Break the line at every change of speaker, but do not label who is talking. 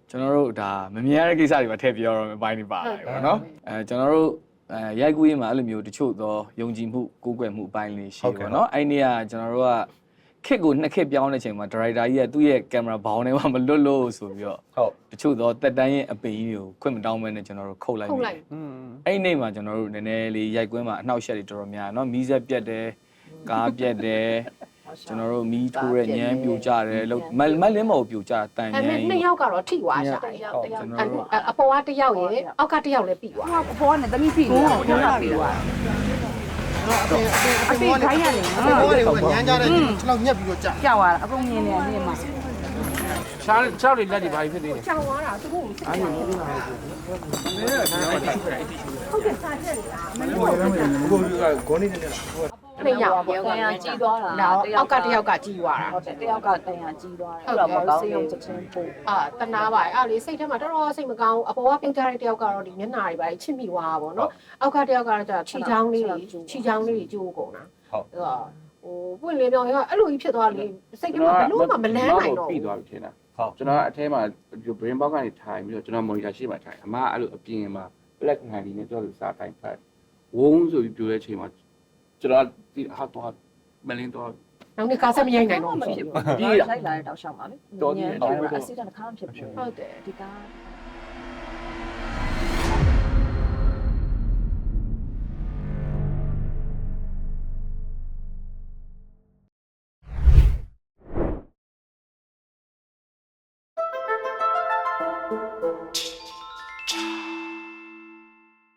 ကျွန်တော်တို့ဒါမမြင်ရတဲ့ကိစ္စတွေမှာထည့်ပြောရမယ်အပိုင်းတွေပါလာပြီပေါ့နော်ကျွန်တော်တို့ရိုက်ကူးရေးမှာအဲ့လိုမျိုးတချို့သောယုံကြည်မှုကိုးကွယ်မှုအပိုင်းလေးရှိပေါ့နော်အဲ့နေ့ကကျွန်တော်တို့ကခစ်ကိုနှစ်ခစ်ပြောင်းတဲ့အချိန်မှာဒါရိုက်တာကြီးကသူ့ရဲ့ကင်မရာဘောင်းထဲမှာမလွတ်လို့ဆိုပြီးတော့ဟုတ်တချို့သောတက်တန်းရဲ့အပင်ကြီးတွေကိုခွင့်မတောင်းမဲနဲ့ကျွန်တော်တို့ခုတ်လိုက်ပြီအဲ့နေ့မှာကျွန်တော်တို့နည်းနည်းလေးရိုက်ကွင်းမှာအနှောက်အယှက်တွေတော်တော်များနော်မီးစက်ပြက်တယ်ကားပြက်တယ်ကျွန်တော်တို့မီးထိုးတဲ့ညမ်းပြိုကြတယ်လို့မလင်းမော်ပြိုကြတန်ညမ်း
နှစ်ယောက်ကတော့ထိသွားရှာအပေါ်ကတစ်ယောက်ရယ်အောက်ကတစ်ယောက်လည်းပြီးသွား
အပေါ်ကနေတမိပြီးနေတာဘုရားပြီးသွားအဖေခိုင်းရတယ်နော်
ဘောတွေကညမ်းကြတဲ့ခြေထောက်ညက်ပြီးတော့ကြာ
ကြောက်သွားတာအကုန်မြင်နေတယ်မှာ
ချားတွေလက်တွေဘာဖြစ်နေလဲ
ကြောက်သွားတာသူတို့စိတ်
အားရနေ
ဟုတ်ကဲ့စာချက်နေတာမလို့
ကိုကဂေါနေနေလား
နှစ်ယောက်
တန်ရကြီးသွားတာ
အောက်ကတစ်ယောက်ကကြီးသွားတာ
ဟုတ်တယ်တယောက်ကတန်ရကြီးသွားတယ်အဲ့တော့မကောင်းစေုံချက်ချင်းပို့
တနာပါအဲ့လေစိတ်ထဲမှာတော်တော်စိတ်မကောင်းအပေါ်ကပြုတ်ကြတဲ့တယောက်ကတော့ဒီမျက်နှာတွေပါချစ်မိသွားတာပေါ့နော်အောက်ကတယောက်ကတော့ခြေချောင်းလေးတွေကျိုးကုန်တာဟုတ်ပွင့်လင်းပြောင်းရအဲ့လိုကြီးဖြစ်သွားလေစိတ်ထဲမှာဘလို့မှမလန်းနိုင်တော့
ပြီးသွားပြီထင်တာဟုတ်ကျွန်တော်အထဲမှာ brain box ကနေထိုင်ပြီးတော့ကျွန်တော် monitor ရှေ့မှာထိုင်အမအဲ့လိုအပြင်မှာ black ဟန်ဒီနဲ့ကျွန်တော်စာထိုင်ဖတ်ဝုန်းဆိုပြီးပြောတဲ့အချိန်မှာကျွန်တော်ဒီဟာတော့မလင်းတော့
နောက်နေ့ကားဆက်မရိုက်နိုင်တော့
ဘူးဖြစ်ဘူးပြီးလိုက်လာတဲ့တောက်လျှောက်ပါလေတော်တယ်အစီတန်တစ်ခါမှဖြစ်ဘူး
ဟုတ်တယ်
ဒီကား